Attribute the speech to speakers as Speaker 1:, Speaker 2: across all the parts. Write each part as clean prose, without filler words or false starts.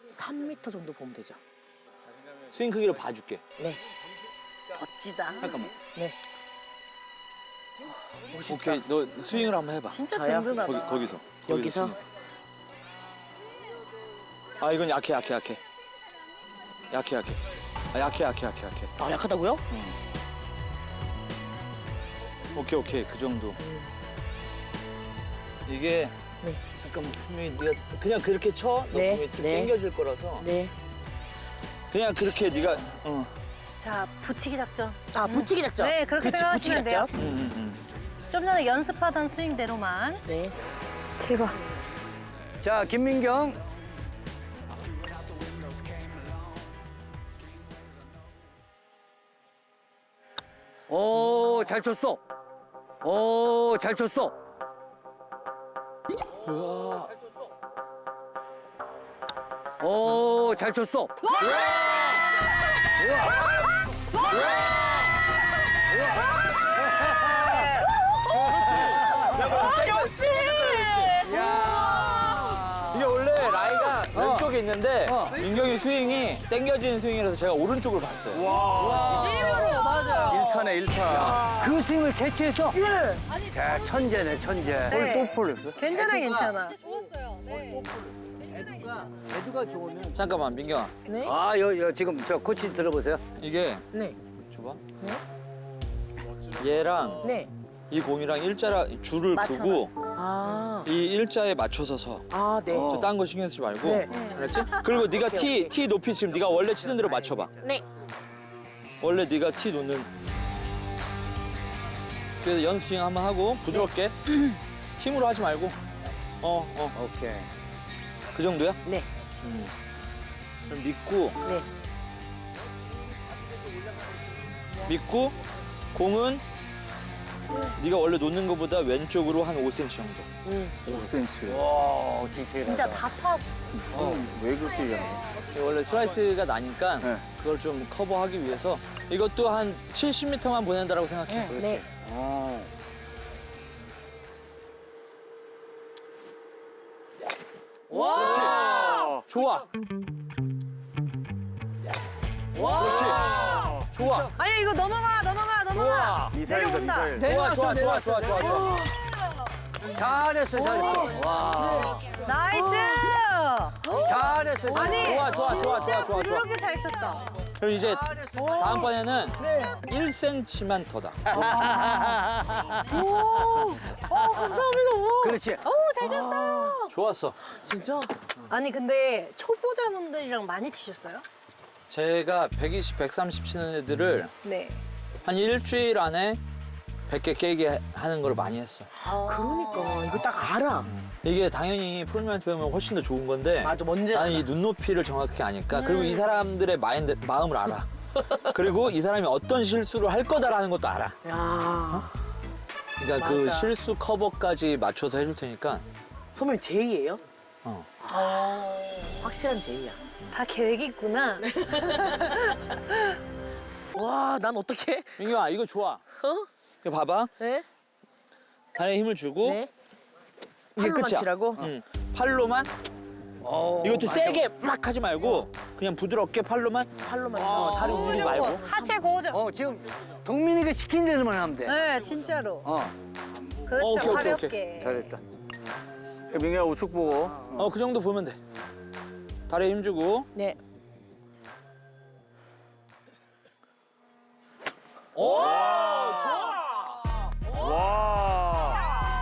Speaker 1: 3m 정도 보면 되죠.
Speaker 2: 스윙 크기로 봐줄게.
Speaker 1: 네.
Speaker 3: 멋지다.
Speaker 2: 잠깐만.
Speaker 1: 네. 멋있다.
Speaker 2: 오케이, 너 스윙을 한번 해봐.
Speaker 3: 진짜
Speaker 1: 저요?
Speaker 3: 든든하다.
Speaker 2: 거기서.
Speaker 1: 여기서?
Speaker 2: 스윙. 아, 이건 약해. 약해. 아, 약해.
Speaker 1: 아, 약하다고요?
Speaker 2: 오케이. 그 정도. 이게
Speaker 1: 네.
Speaker 2: 잠깐만 분명히 네가 그냥 그렇게 쳐. 너
Speaker 1: 네,
Speaker 2: 분명히 좀
Speaker 1: 네.
Speaker 2: 당겨질 거라서.
Speaker 1: 네.
Speaker 2: 그냥 그렇게 네가
Speaker 3: 자, 붙이기 작전.
Speaker 1: 아, 붙이기 작전.
Speaker 3: 네, 그렇게
Speaker 1: 그치,
Speaker 3: 생각하시면
Speaker 1: 붙이기
Speaker 3: 돼요.
Speaker 1: 작전.
Speaker 3: 좀 전에 연습하던 스윙대로만.
Speaker 1: 네.
Speaker 3: 대박.
Speaker 4: 자, 김민경. 오, 잘 쳤어. 오, 잘 쳤어. 오, 잘 쳤어.
Speaker 1: 역시!
Speaker 2: 이게 원래 라이가 왼쪽에 있는데 민경이 스윙이 당겨지는 스윙이라서 제가 오른쪽으로 봤어요.
Speaker 3: 진짜로 맞아요.
Speaker 4: 1타네, 1타. 그 스윙을 캐치해서?
Speaker 1: 예.
Speaker 4: 야, 천재네, 천재.
Speaker 3: 네.
Speaker 4: 또 폴렸어?
Speaker 3: 괜찮아, 괜찮아.
Speaker 4: 애두가 좋으면.
Speaker 2: 잠깐만 민경아,
Speaker 1: 네.
Speaker 4: 아, 지금 저 코치 들어보세요.
Speaker 2: 이게
Speaker 1: 네.
Speaker 2: 줘봐. 얘랑
Speaker 1: 네.
Speaker 2: 이 공이랑 일자라 줄을 그고
Speaker 1: 아.
Speaker 2: 이 일자에 맞춰서 서.
Speaker 1: 아, 네.
Speaker 2: 저 딴 거 신경 쓰지 말고.
Speaker 1: 네.
Speaker 2: 알았지? 그리고 네가
Speaker 1: 오케이.
Speaker 2: 티 높이 지금 네가 원래 치는 대로 맞춰봐.
Speaker 1: 네.
Speaker 2: 원래 네가 티 놓는. 그래서 연습 스윙 한번 하고 부드럽게 힘으로 하지 말고.
Speaker 4: 오케이.
Speaker 2: 그 정도야?
Speaker 1: 네.
Speaker 2: 그럼 믿고
Speaker 1: 네.
Speaker 2: 공은 네가 원래 놓는 것보다 왼쪽으로 한 5cm 정도.
Speaker 4: 5cm. 와, 디테일하다.
Speaker 3: 진짜 다 파악했어.
Speaker 4: 왜 그렇게 얘기하는
Speaker 2: 원래 슬라이스가 나니까
Speaker 4: 네.
Speaker 2: 그걸 좀 커버하기 위해서 이것도 한 70m만 보낸다라고 생각해.
Speaker 4: 그렇지.
Speaker 1: 네.
Speaker 4: 와!
Speaker 2: 좋아. 그렇지. 좋아.
Speaker 3: 아니, 이거 넘어가.
Speaker 4: 미사일이다,
Speaker 3: 내려온다.
Speaker 4: 미사일.
Speaker 2: 좋아.
Speaker 4: 잘했어. 와.
Speaker 3: 나이스!
Speaker 4: 잘했어.
Speaker 3: 아니,
Speaker 2: 좋아.
Speaker 3: 진짜 부드럽게 잘 쳤다.
Speaker 2: 그럼 이제 다음번에는 1cm만 더다.
Speaker 1: 감사합니다.
Speaker 4: 그렇지.
Speaker 3: 잘 쳤어요.
Speaker 2: 좋았어.
Speaker 1: 진짜?
Speaker 3: 아니, 근데 초보자분들이랑 많이 치셨어요?
Speaker 2: 제가 120, 130 치는 애들을
Speaker 3: 네.
Speaker 2: 한 일주일 안에 100개 깨게 하는 걸 많이 했어.
Speaker 1: 그러니까 이거 딱 알아.
Speaker 2: 이게 당연히 프로님한테 배우면 훨씬 더 좋은 건데
Speaker 1: 맞아, 뭔지
Speaker 2: 나는
Speaker 1: 알아.
Speaker 2: 이 눈높이를 정확히 아니까 그리고 이 사람들의 마음을 알아. 그리고 이 사람이 어떤 실수를 할 거다라는 것도 알아.
Speaker 1: 야.
Speaker 2: 그러니까 그
Speaker 1: 맞아.
Speaker 2: 실수 커버까지 맞춰서 해줄 테니까.
Speaker 1: 선배님 제이예요?
Speaker 2: 어.
Speaker 1: 확실한 제이야.
Speaker 3: 다 계획이 있구나.
Speaker 1: 와, 난 어떡해?
Speaker 2: 민경아 이거 좋아. 이거 봐봐.
Speaker 1: 네?
Speaker 2: 다리에 힘을 주고
Speaker 1: 네.
Speaker 2: 이게
Speaker 1: 팔로만
Speaker 2: 끝이야.
Speaker 1: 치라고?
Speaker 2: 응. 팔로만. 이것도 세게 막 하지 말고 그냥 부드럽게 팔로만.
Speaker 1: 팔로만 치라고.
Speaker 2: 다리 울리지 말고.
Speaker 3: 하체 고정.
Speaker 4: 지금 동민이가 시킨 대로만 하면 돼.
Speaker 3: 네, 진짜로. 그렇죠,
Speaker 2: 오케이, 오케이,
Speaker 3: 가볍게.
Speaker 4: 잘했다. 민경아 우측 보고.
Speaker 2: 그 정도 보면 돼. 다리에 힘 주고.
Speaker 1: 네.
Speaker 2: 오! 좋아!
Speaker 4: 와.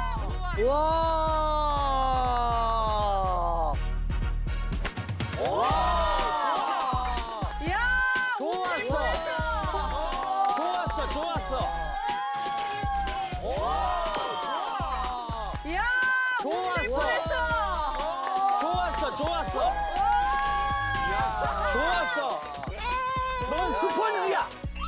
Speaker 3: 이야!
Speaker 2: 좋았어!
Speaker 3: 이야!
Speaker 2: 좋았어! 넌 스펀지야!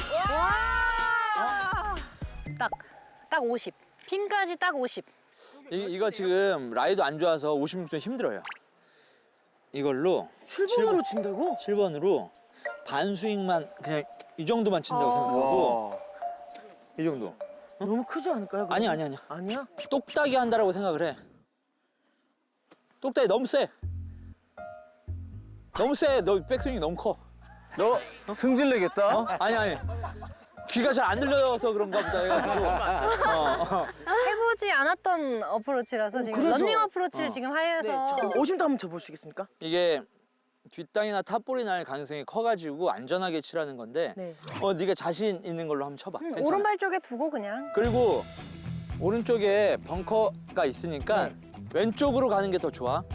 Speaker 3: 딱 50. 핀까지 딱 50.
Speaker 2: 이거 지금 라이도 안 좋아서 56점 힘들어요. 이걸로
Speaker 1: 7번으로 친다고?
Speaker 2: 7번으로 반 스윙만 그냥 이 정도만 친다고 생각하고 이 정도.
Speaker 1: 너무 크지 않을까요? 그럼?
Speaker 2: 아니야.
Speaker 1: 아니야?
Speaker 2: 똑딱이 한다라고 생각을 해. 똑딱이 너무 세. 너무 세. 너 백스윙이 너무 커.
Speaker 4: 너 승질 내겠다.
Speaker 2: 어? 아니. 귀가 잘 안 들려서 그런가 보다 해가지고.
Speaker 3: 해보지 않았던 어프로치라서 지금
Speaker 1: 그래서.
Speaker 3: 런닝 어프로치를 지금
Speaker 1: 네.
Speaker 3: 하여서
Speaker 1: 저 오심도 한번 쳐보시겠습니까?
Speaker 2: 이게 뒷땅이나 탑볼이 날 가능성이 커가지고 안전하게 치라는 건데
Speaker 1: 네.
Speaker 2: 네가 자신 있는 걸로 한번 쳐봐. 괜찮아.
Speaker 3: 오른발 쪽에 두고 그냥.
Speaker 2: 그리고 오른쪽에 벙커가 있으니까 왼쪽으로 가는 게 더 좋아.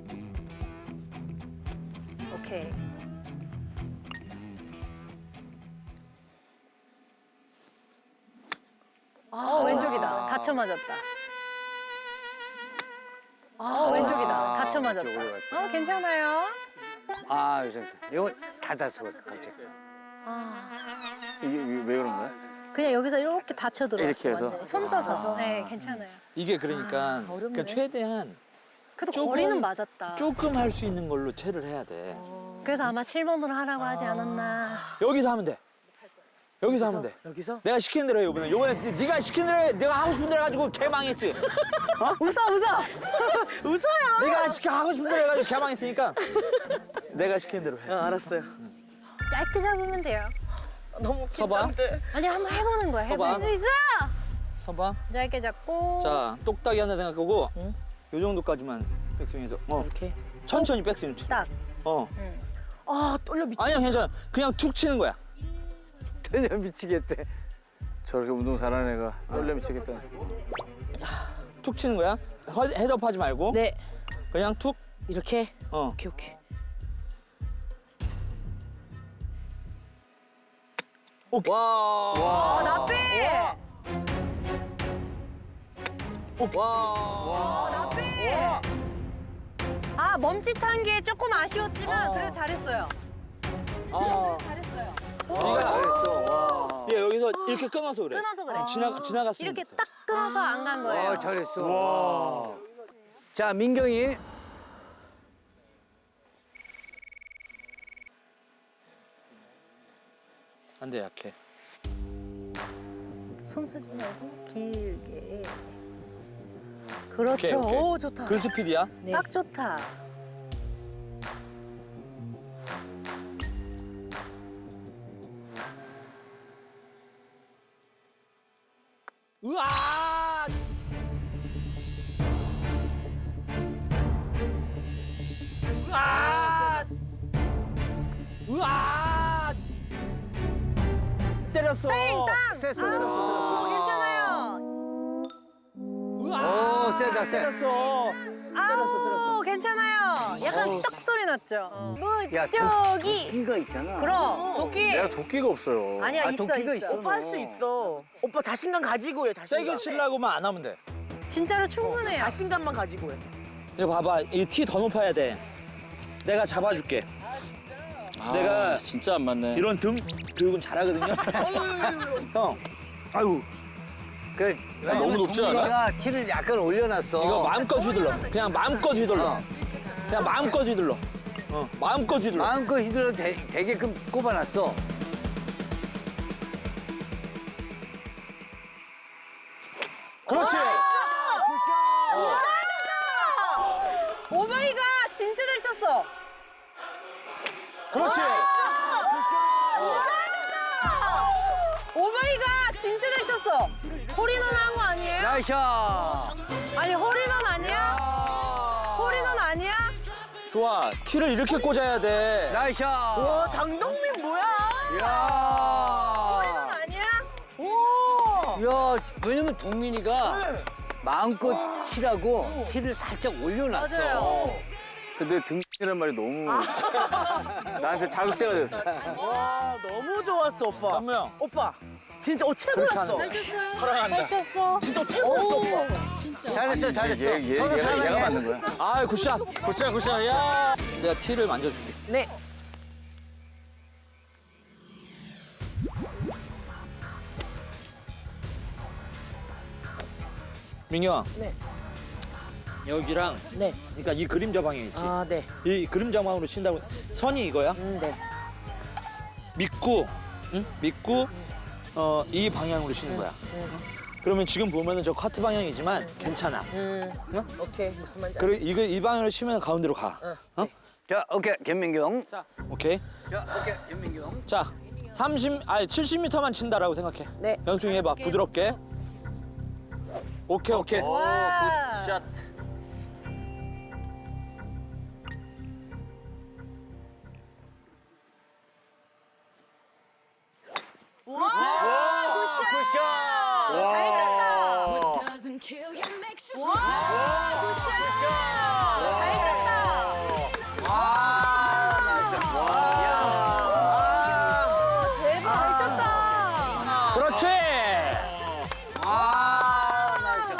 Speaker 3: 오케이. 왼쪽이다. 다쳐 맞았다. 왼쪽이다. 다쳐 맞았다.
Speaker 4: 왼쪽으로 갔다.
Speaker 3: 괜찮아요.
Speaker 4: 아, 요새 이거 닫았어 갑자기. 이게 왜 그런 거야?
Speaker 3: 그냥 여기서 이렇게 다쳐 들어왔어.
Speaker 4: 이렇게 해서?
Speaker 3: 완전히. 손 써서. 네, 괜찮아요.
Speaker 2: 이게 그러니까, 그러니까 최대한
Speaker 3: 그래도
Speaker 2: 조금-
Speaker 3: 거리는 맞았다.
Speaker 2: 조금 할 수 있는 걸로 채를 해야 돼.
Speaker 3: 그래서 아마 7번으로 하라고 하지 않았나.
Speaker 2: 여기서 하면 돼. 여기서 하면 돼.
Speaker 1: 여기서?
Speaker 2: 내가 시키는 대로 해, 이번에. 이번에 네가 시키는 대로 해. 내가 하고 싶은 대로 해가지고 개망했지.
Speaker 3: 웃어.
Speaker 1: 웃어요.
Speaker 2: 네가 하고 싶은 대로 해가지고 개망했으니까 내가 시키는 대로 해.
Speaker 1: 알았어요.
Speaker 3: 짧게 잡으면 돼요.
Speaker 1: 너무
Speaker 2: 서봐.
Speaker 1: 긴장돼.
Speaker 3: 아니, 한번 해보는 거야.
Speaker 2: 서봐.
Speaker 3: 해볼 수 있어.
Speaker 2: 서봐.
Speaker 3: 짧게 잡고.
Speaker 2: 자, 똑딱이 하나 생각하고 요 정도까지만 백스윙해서
Speaker 1: 이렇게.
Speaker 2: 천천히 백스윙 쳐.
Speaker 3: 딱.
Speaker 1: 아 떨려 미치.
Speaker 2: 아니야, 괜찮아. 그냥 툭 치는 거야.
Speaker 4: 떨려 미치겠대. 저렇게 운동 잘하는 애가 떨려 미치겠다.
Speaker 2: 툭 치는 거야. 헤드업 하지 말고
Speaker 1: 네.
Speaker 2: 그냥 툭.
Speaker 1: 이렇게.
Speaker 2: 어.
Speaker 1: 오케이.
Speaker 4: 와.
Speaker 3: 나 빼.
Speaker 4: 와.
Speaker 3: 나 빼. 멈칫한 게 조금 아쉬웠지만 그래도 잘했어요. 잘했어요.
Speaker 2: 네가
Speaker 4: 잘했어. 와.
Speaker 2: 얘 여기서 이렇게 끊어서 그래.
Speaker 3: 끊어서 그래.
Speaker 2: 지나갔으면
Speaker 3: 이렇게
Speaker 2: 됐어.
Speaker 3: 딱 끊어서 안 간 거예요.
Speaker 4: 잘했어. 와. 자, 민경이.
Speaker 2: 안 돼, 약해.
Speaker 3: 손 쓰지 말고 길게. 그렇죠.
Speaker 2: 오케이.
Speaker 3: 오, 좋다.
Speaker 2: 그 스피드야?
Speaker 3: 딱 좋다.
Speaker 2: 으아! 으아! 으아! 때렸어.
Speaker 3: 오, 괜찮아요.
Speaker 2: 으아!
Speaker 4: 오, 세다, 세.
Speaker 2: 때렸어.
Speaker 3: 아우, 괜찮아요. 약간 떡 소리 났죠.
Speaker 4: 야, 도끼가 있잖아.
Speaker 3: 그럼 도끼.
Speaker 4: 내가 도끼가 없어요.
Speaker 3: 아니야, 있어,
Speaker 4: 도끼가
Speaker 3: 있어.
Speaker 1: 오빠 할 수 있어. 오빠 자신감 가지고 해. 자신감.
Speaker 2: 세게 치려고만 안 하면 돼.
Speaker 3: 진짜로 충분해요.
Speaker 1: 자신감만 가지고 해.
Speaker 2: 이거 봐봐. 이 티 더 높아야 돼. 내가 잡아줄게. 내가
Speaker 5: 진짜 안 맞네.
Speaker 2: 이런 등 교육은 잘하거든요. 형. 아유.
Speaker 4: 그,
Speaker 5: 너무 높지 않아?
Speaker 4: 동민이가 티를 약간 올려놨어.
Speaker 2: 이거 마음껏 휘둘러. 그냥 마음껏 휘둘러. 그냥 마음껏 휘둘러. 마음껏 휘둘러.
Speaker 4: 마음껏 휘둘러 되게끔 꼽아놨어.
Speaker 2: 그렇지.
Speaker 3: 오마이갓, 진짜 잘 쳤어.
Speaker 2: 그렇지.
Speaker 3: 오마이갓, 진짜 잘 쳤어. 홀인원 한 거 아니에요?
Speaker 4: 나이샤.
Speaker 3: 아니, 홀인원 아니야? 홀인원 아니야?
Speaker 2: 좋아. 티를 이렇게 꽂아야 돼.
Speaker 4: 나이샤.
Speaker 1: 와 장동민 뭐야?
Speaker 4: 야.
Speaker 3: 홀인원 아니야?
Speaker 4: 야, 왜냐면 동민이가 마음껏 치라고 티를 살짝 올려놨어.
Speaker 3: 맞아요.
Speaker 5: 근데 등이란 말이 너무 나한테 자극제가 됐어.
Speaker 1: 와 너무 좋았어 오빠.
Speaker 2: 현무 형.
Speaker 1: 오빠 진짜 최고였어.
Speaker 2: 사랑한다.
Speaker 3: 잘 쳤어.
Speaker 1: 진짜 최고였어 오빠.
Speaker 4: 잘했어, 잘했어. 서로
Speaker 5: 얘가
Speaker 4: 사랑해.
Speaker 5: 맞는 거야.
Speaker 2: 아, 굿샷.
Speaker 5: 굿샷 굿샷. 야.
Speaker 2: 내가 티를 만져줄게.
Speaker 1: 네.
Speaker 2: 민경아.
Speaker 1: 네.
Speaker 2: 여기랑
Speaker 1: 네.
Speaker 2: 그러니까 이 그림자 방향 있지.
Speaker 1: 아 네.
Speaker 2: 이 그림자 방향으로 친다고 선이 이거야.
Speaker 1: 네.
Speaker 2: 믿고, 응? 믿고 이 방향으로 치는 거야. 그러면 지금 보면은 저 카트 방향이지만 괜찮아.
Speaker 1: 오케이 무슨 말인지
Speaker 2: 그리고 이거 이 방향으로 치면 가운데로 가.
Speaker 1: 응,
Speaker 2: 어?
Speaker 4: 자, 오케이, 김민경.
Speaker 2: 자, 오케이.
Speaker 4: 자, 오케이, 김민경.
Speaker 2: 자, 70m만 친다라고 생각해.
Speaker 1: 네.
Speaker 2: 연승이 해봐, 부드럽게. 오케이, 오케이.
Speaker 3: 와.
Speaker 5: 샷.
Speaker 4: 굿샷.
Speaker 3: 잘 쳤다.
Speaker 6: doesn't kill you makes you
Speaker 3: 와, 굿샷. 잘 쳤다. 대박. 잘 쳤다.
Speaker 2: 그렇지.
Speaker 4: 아, 나이스.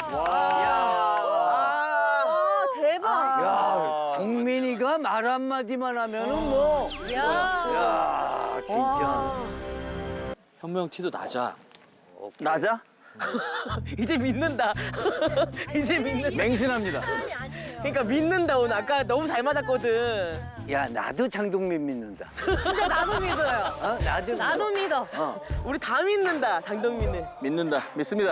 Speaker 3: 와, 대박.
Speaker 4: 야, 동민이가 말 한마디만 하면은 뭐.
Speaker 3: 야.
Speaker 4: 야, 진짜.
Speaker 2: 현무 형 티도 낮아.
Speaker 5: 낮아?
Speaker 1: 이제 믿는다. 이제 믿는다.
Speaker 5: 맹신합니다.
Speaker 1: 그러니까 믿는다 오늘. 아까 너무 잘 맞았거든.
Speaker 4: 야, 나도 장동민 믿는다.
Speaker 3: 진짜 나도 믿어요.
Speaker 4: 어?
Speaker 3: 나도 믿어.
Speaker 1: 우리 다 믿는다. 장동민은.
Speaker 5: 믿는다. 믿습니다.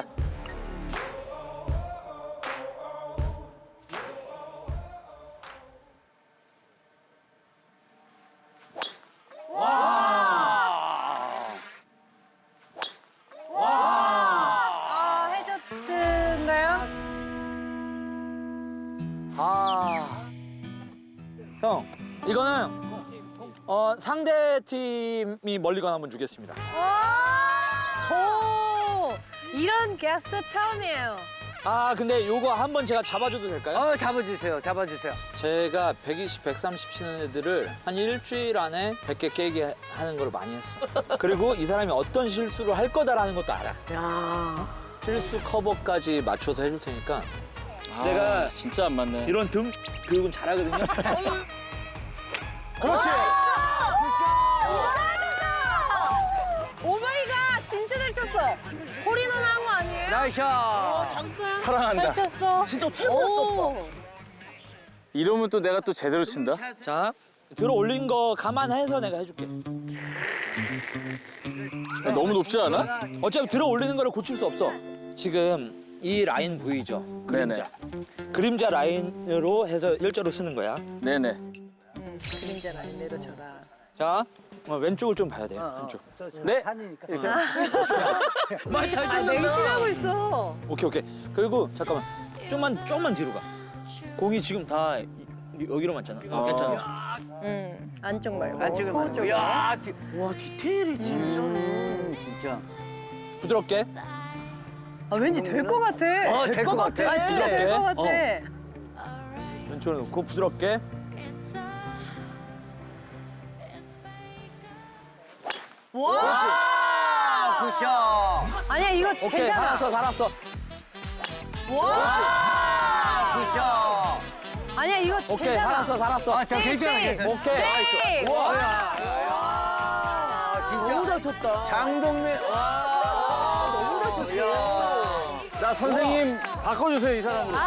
Speaker 3: 아, 해저드인가요?
Speaker 2: 형, 이거는 상대 팀이 멀리 건 한번 주겠습니다.
Speaker 3: 오, 이런 게스트 처음이에요.
Speaker 2: 아, 근데 요거 한번 제가 잡아줘도 될까요?
Speaker 4: 잡아주세요, 잡아주세요.
Speaker 2: 제가 120, 130 치는 애들을 한 일주일 안에 100개 깨게 하는 걸 많이 했어. 그리고 이 사람이 어떤 실수를 할 거다라는 것도 알아.
Speaker 1: 야.
Speaker 2: 실수 커버까지 맞춰서 해줄 테니까
Speaker 5: 내가 진짜 안 맞네.
Speaker 2: 이런 등 교육은 잘하거든요. 그렇지.
Speaker 3: 오마이갓, 진짜 잘 쳤어. 홀인원 한 거 아니에요?
Speaker 4: 나이샷.
Speaker 5: 사랑한다.
Speaker 3: 잘 쳤어.
Speaker 1: 진짜 최고였어 오빠.
Speaker 5: 이러면 또 내가 또 제대로 친다.
Speaker 2: 자, 들어 올린 거 감안해서 내가 해줄게.
Speaker 5: 야, 너무 높지 않아?
Speaker 2: 어차피 들어 올리는 거를 고칠 수 없어. 지금 이 라인 보이죠? 그림자. 그림자 라인으로 해서 일자로 쓰는 거야.
Speaker 5: 네네.
Speaker 3: 그림자 라인 내려줘라.
Speaker 2: 자, 왼쪽을 좀 봐야 돼요. 왼쪽.
Speaker 5: 네.
Speaker 4: 산이니까.
Speaker 5: 이렇게.
Speaker 3: 아, 맹신하고 있어.
Speaker 2: 오케이, 오케이. 그리고 잠깐만. 조금만 뒤로 가. 공이 지금 다 여기로 맞잖아. 괜찮아.
Speaker 3: 안쪽 말고.
Speaker 4: 안쪽에
Speaker 3: 코 쪽에.
Speaker 4: 야,
Speaker 1: 와 디테일이 진짜.
Speaker 4: 진짜.
Speaker 2: 부드럽게.
Speaker 3: 아, 왠지 될 것 같아.
Speaker 4: 될 것 같아.
Speaker 3: 아, 진짜 될 것 같아.
Speaker 2: 왼쪽으로 놓고 부드럽게.
Speaker 3: 와!
Speaker 4: 굿샷.
Speaker 3: 아니야, 이거
Speaker 2: 오케이,
Speaker 3: 괜찮아.
Speaker 2: 살았어.
Speaker 3: 와!
Speaker 4: 굿샷.
Speaker 3: 아니야, 이거
Speaker 2: 오케이,
Speaker 3: 괜찮아.
Speaker 2: 살았어.
Speaker 4: 아, 자, 괜찮아, 괜찮아.
Speaker 2: 오케이.
Speaker 3: 세이브!
Speaker 4: 와, 야,
Speaker 1: 너무
Speaker 4: 진짜.
Speaker 1: 잘 쳤다.
Speaker 4: 장동민. 와.
Speaker 1: 너무 잘 쳤어.
Speaker 5: 나 선생님 바꿔주세요 이 사람으로.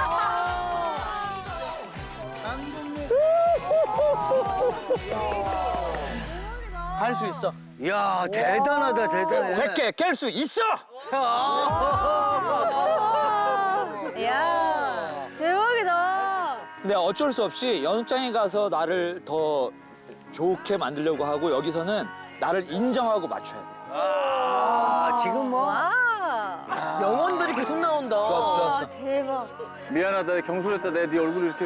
Speaker 2: 할 수 있어.
Speaker 4: 야, 대단하다, 대단해.
Speaker 2: 100개 깰 수 있어.
Speaker 3: 야
Speaker 6: 대박이다.
Speaker 2: 근데 어쩔 수 없이 연습장에 가서 나를 더 좋게 만들려고 하고 여기서는 나를 인정하고 맞춰야 돼.
Speaker 4: 아, 지금 뭐.
Speaker 3: 와!
Speaker 1: 영혼들이 계속 나온다.
Speaker 2: 좋았어.
Speaker 6: 대박.
Speaker 5: 미안하다 경솔했다 내가 네 얼굴 이렇게.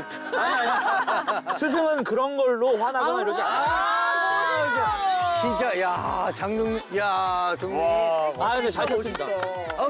Speaker 2: 스승은 그런 걸로 화나거나 이러지 않아.
Speaker 4: 진짜, 야, 장동민. 야, 동민.
Speaker 2: 아, 근데 잘 쳤습니다.